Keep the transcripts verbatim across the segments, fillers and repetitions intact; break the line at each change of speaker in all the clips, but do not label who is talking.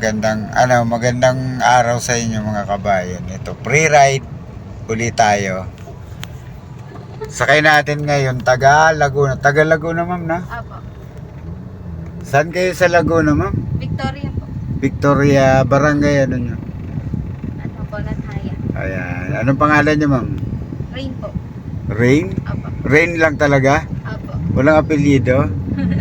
magandang ano, magandang araw sa inyo mga kabayan. Ito, pre-ride uli tayo. Sakay natin ngayon taga Laguna. Taga Laguna, ma'am, na?
Apo.
Saan kayo sa Laguna, ma'am?
Victoria po.
Victoria, barangay ano nyo?
Ano po, Lanhaya.
Ayan. Anong pangalan nyo, ma'am?
Rain po.
Rain?
Apo.
Rain lang talaga?
Apo.
Walang apelyido?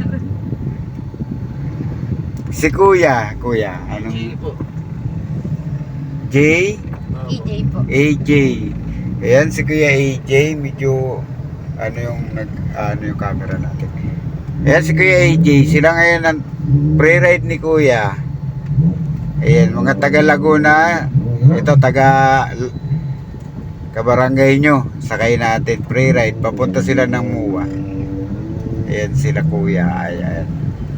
Si Kuya, Kuya, anong?
J po.
J?
E J po.
A J. Ayan si Kuya A J, medyo ano yung nag ano yung camera natin. Ayan si Kuya A J, sila ngayon ang pre-ride ni Kuya. Ayan, mga taga Laguna, ito taga kabarangay nyo, sakay natin pre-ride, papunta sila ng Muwa. Ayan sila Kuya, ayan.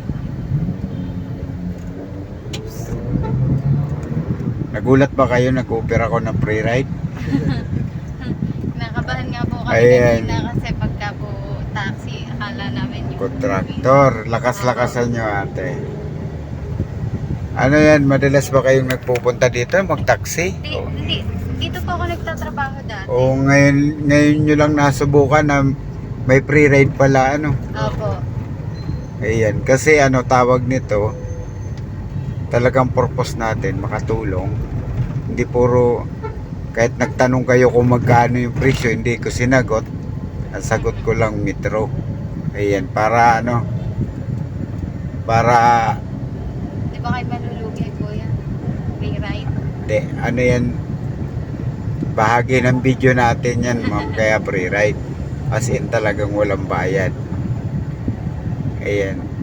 Nagulat ba kayo, nag-offer ako ng pre-ride?
Nakabahan nga po kami
Ayan.
kanina kasi pagka po taxi, akala namin yung
Kontraktor, lakas-lakasan nyo ate. Ano yan, madalas ba kayong nagpupunta dito, mag-taxi?
Di, di, dito po ako nagtatrabaho dati.
O ngayon, ngayon nyo lang nasubukan na may pre-ride pala, ano?
Opo.
Ayan, kasi ano tawag nito, talagang purpose natin, makatulong. Hindi puro, kahit nagtanong kayo kung magkano yung presyo, hindi ko sinagot. Ang sagot ko lang metro. Ayan, para ano, para,
Di ba kayo malulugi po yan? Free ride?
de, ano yan, bahagi ng video natin yan, ma'am, kaya free ride. As in talagang walang bayad. Ayan.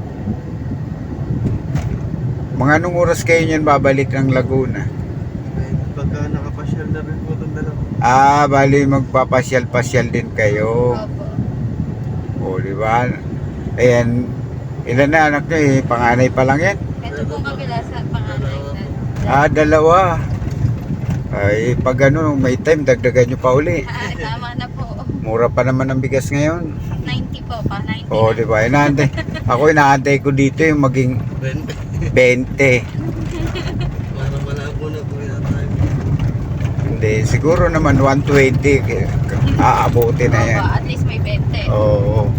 Mga anong oras kayo niyan babalik ng Laguna?
Pagka nakapasyal na rin po itong dalawa.
Ah, bali magpapasyal-pasyal din kayo.
Opo.
O, di ba? Ayan, ilan na anak niyo eh? Panganay pa lang yan?
Ito pong kabila sa panganay.
Ah, dalawa. Ay, pag ano, may time, dagdagan nyo pa uli.
Ah, tama na po.
Mura pa naman ang bigas ngayon.
ninety po pa, ninety
O,
na.
di ba? Inaantay. Ako inaantay ko dito yung maging
Ben,
twenty.
parang malabo na po yata tayo.
Hindi, siguro naman one twenty. Aabuti na yan.
Opo, at least may twenty.
Oo.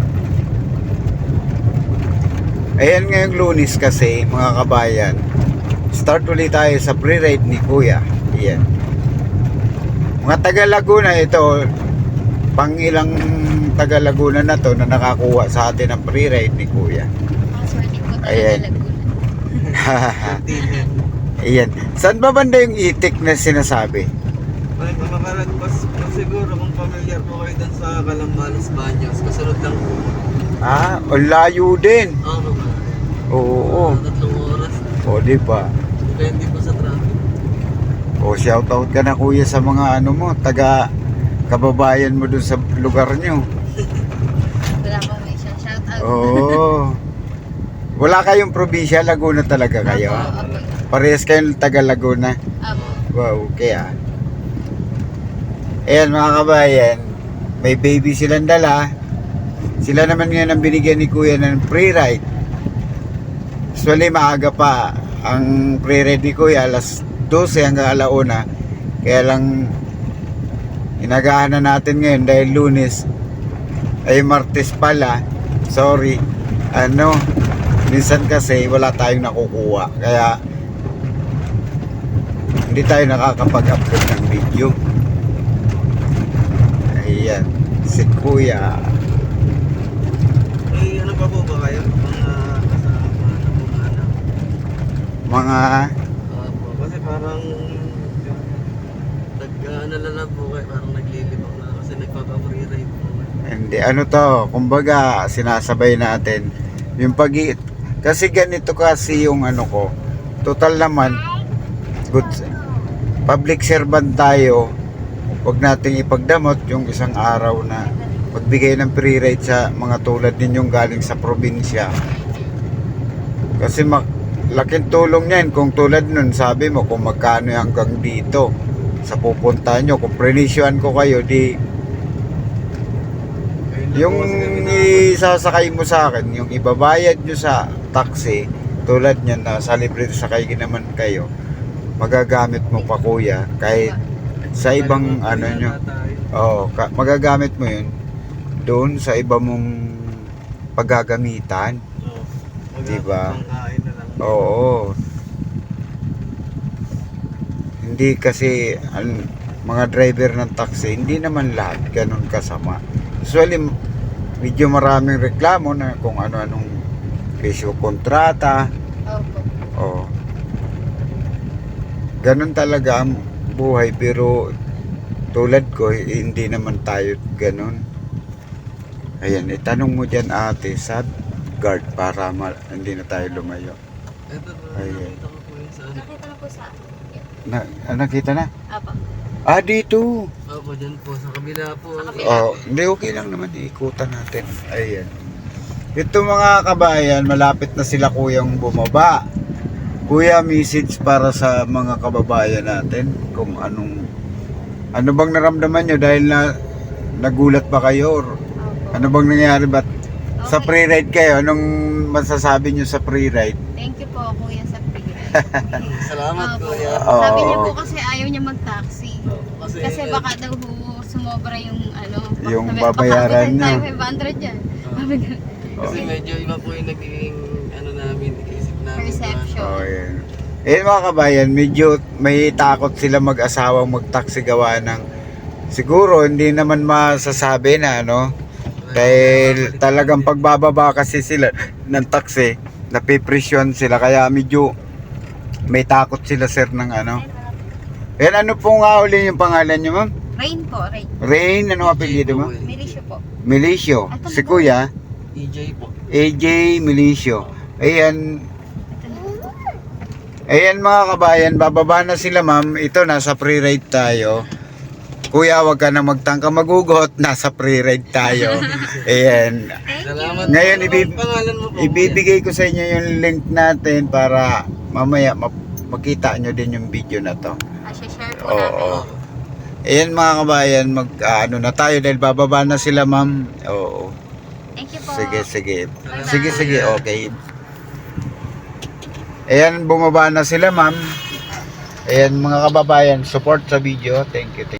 Ayan ngayong Lunes kasi, mga kabayan. Start ulit tayo sa pre-ride ni Kuya. Ayan. Mga taga Laguna ito, pang ilang taga Laguna na to na nakakuha sa atin ng pre-ride ni Kuya.
Mga swerte po talaga
Ayan.
Laguna.
Ayan. Saan ba banda yung itik na sinasabi?
Ay, makaragpas po siguro kung familiar po kayo dun sa Calambalos Baños. Kasunod lang po.
Ah, ang layo din.
Oo naman.
Oo.
Mga tatlong oras.
O, di ba?
Depende po sa traffic.
O, shoutout ka na Kuya sa mga ano mo, taga kababayan mo dun sa lugar nyo.
Wala po may siya. Shout out.
Oo. Wala kayong probinsya, Laguna talaga kayo?
Opo, opo.
Parehas kayong taga Laguna?
Opo.
Wow, okay ah. Ayan mga kabayan, may baby silang dala. Sila naman ngayon ang binigyan ni Kuya ng pre-ride. Usually maaga pa ang pre-ride ni Kuya, alas dose hanggang alauna. Kaya lang inagahan na natin ngayon dahil Lunes ay Martes pala. Sorry. Ano, minsan kasi wala tayong nakukuha. Kaya hindi tayo nakakapag-upload ng video. Ayan, si Kuya.
Eh, ano pa po ba kayo? Mga kasama na po mga anak.
Mga
Opo, kasi parang nag-ano na po kayo, parang naglilibang na kasi nagpapa-free ride po.
hindi, ano to, kumbaga sinasabay natin yung pag kasi ganito kasi yung ano ko, total naman good public servant tayo, wag nating ipagdamot yung isang araw na magbigay ng free ride sa mga tulad ninyong galing sa probinsya. Kasi mak laking tulong niyan kung tulad nun sabi mo kung magkano hanggang dito sa pupunta nyo, kung prenisyuan ko kayo di yung isasakay mo sa akin, yung ibabayad nyo sa taxi, Tulad niyan na sa libre sa kayo naman kayo, magagamit mo pa kuya kahit sa ibang ano nyo. Oo, ka- magagamit mo yun doon sa iba mong paggagamitan.
Oo.
Diba?
Pangkain na lang.
Oo. Hindi kasi ang mga driver ng taxi, hindi naman lahat ganun kasama. Usually, medyo maraming reklamo na kung ano-anong presyo kontrata.
Opo.
Oh. Ganun talaga ang buhay, pero tulad ko, eh, hindi naman tayo ganun. Ayan, itanong mo dyan ate sa guard para ma- hindi na tayo lumayo.
Ito,
Ayan.
nakita ko po yun sa ano.
Nakita na po sa akin.
Na, ah, nakita na?
Apo.
Ah, dito.
Opo, dyan po. Sa kabila po.
Sa kabila.
Oh, hindi, okay lang naman. Ikutan natin. Ayan. Ito mga kabayan, malapit na sila kuyang bumaba. Kuya, message para sa mga kababayan natin kung anong ano bang naramdaman nyo dahil na nagulat ba kayo or
Opo.
ano bang nangyari ba't sa
Okay.
pre-ride kayo? Anong masasabi nyo sa pre-ride?
Thank you po, kuya, sa free.
Salamat
Opo.
kuya.
Oo.
Sabi niya po kasi ayaw niya mag-taxi.
Kasi,
Kasi baka daw ho sumobra yung ano. baka
Yung
sabi-
babayaran
baka
niyo.
tayo five hundred yan. Sabi ko,
kasi medyo iba po yung nagiging ano namin, isip namin.
Perception.
Oh, yan. Eh mga kabayan, medyo may takot sila mag-asawang mag-taxi gawa ng siguro hindi naman masasabi na ano dahil talagang pagbababa kasi sila ng taxi napipresyon sila kaya medyo may takot sila sir ng ano. Yan, ano po nga uli yung pangalan nyo ma'am?
Rain po, rain.
Rain, ano apelyido mo?
Milisyo po.
Milicio.
Ito
Si
po.
kuya,
E J po.
A J Milicio. Ayan, ayan mga kabayan, bababa na sila ma'am. Ito, nasa pre-ride tayo. Kuya, wag ka na magtangka magugot. Nasa pre-ride tayo. Ayan.
Thank
Salamat.
you.
Ngayon,
Ano
ibib-
bang pangalan mo po?
Ibibigay ko sa inyo yung link natin para mamaya ma- makita nyo din yung video na to.
Ah, share po
Oo.
namin.
Ayan mga kabayan, mag ah, ano na tayo dahil bababa na sila ma'am. Oo.
Thank you po.
Sige, sige.
Salamat.
Sige, sige, okay. Ayan, bumaba na sila ma'am. Ayan mga kababayan, support sa video. Thank you. Thank you.